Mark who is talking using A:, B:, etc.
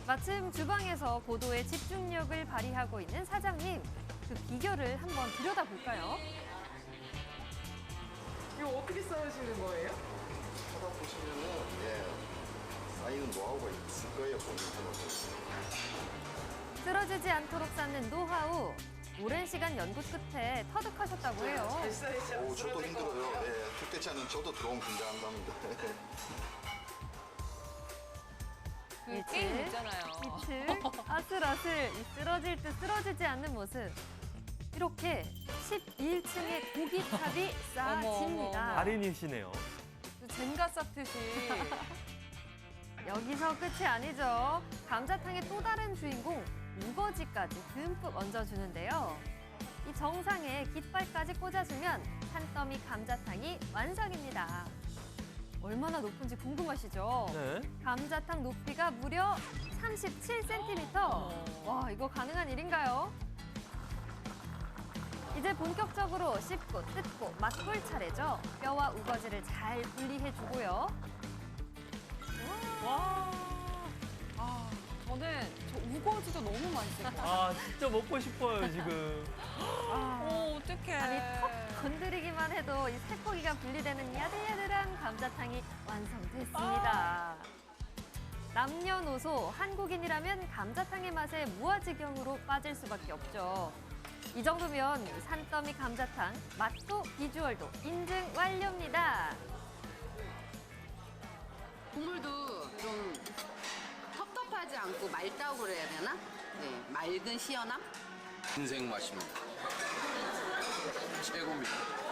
A: 마침 주방에서 고도의 집중력을 발휘하고 있는 사장님. 그 비결을 한번 들여다볼까요?
B: 이거 어떻게 썰으시는 거예요?
C: 찾아보시면은 쌓이는 노하우가 있을 거예요, 본인들은.
A: 쓰러지지 않도록 쌓는 노하우. 오랜 시간 연구 끝에 터득하셨다고 해요.
B: 잘 썰으셔.
C: 오, 저도 힘들어요. 죽대치 않은 저도 들어오면 긴장한답니다.
D: 그 게임 있잖아요.
A: 이틀 아슬아슬 이 쓰러질 듯 쓰러지지 않는 모습. 이렇게 11층의 고기탑이 쌓아집니다.
E: 달인이시네요.
D: 젠가 쌓듯이.
A: 여기서 끝이 아니죠. 감자탕의 또 다른 주인공 우거지까지 듬뿍 얹어주는데요. 이 정상에 깃발까지 꽂아주면 한 더미 감자탕이 완성입니다. 얼마나 높은지 궁금하시죠?
E: 네.
A: 감자탕 높이가 무려 37cm. 와, 이거 가능한 일인가요? 이제 본격적으로 씹고 뜯고 맛볼 차례죠. 뼈와 우거지를 잘 분리해주고요.
D: 와. 아, 저는 저 우거지도 너무 맛있을 것 같아요.
E: 아, 진짜 먹고 싶어요, 지금.
D: 어떡해.
A: 아니, 턱 건드리기만 해도 이 살코기가 분리되는 야들야들한 감자탕이 완성됐습니다. 남녀노소 한국인이라면 감자탕의 맛에 무아지경으로 빠질 수밖에 없죠. 이 정도면 산더미 감자탕 맛도 비주얼도 인증 완료입니다.
F: 국물도 좀 텁텁하지 않고 맑다고 그래야 되나? 네, 맑은 시원함?
G: 인생 맛입니다. 최고입니다.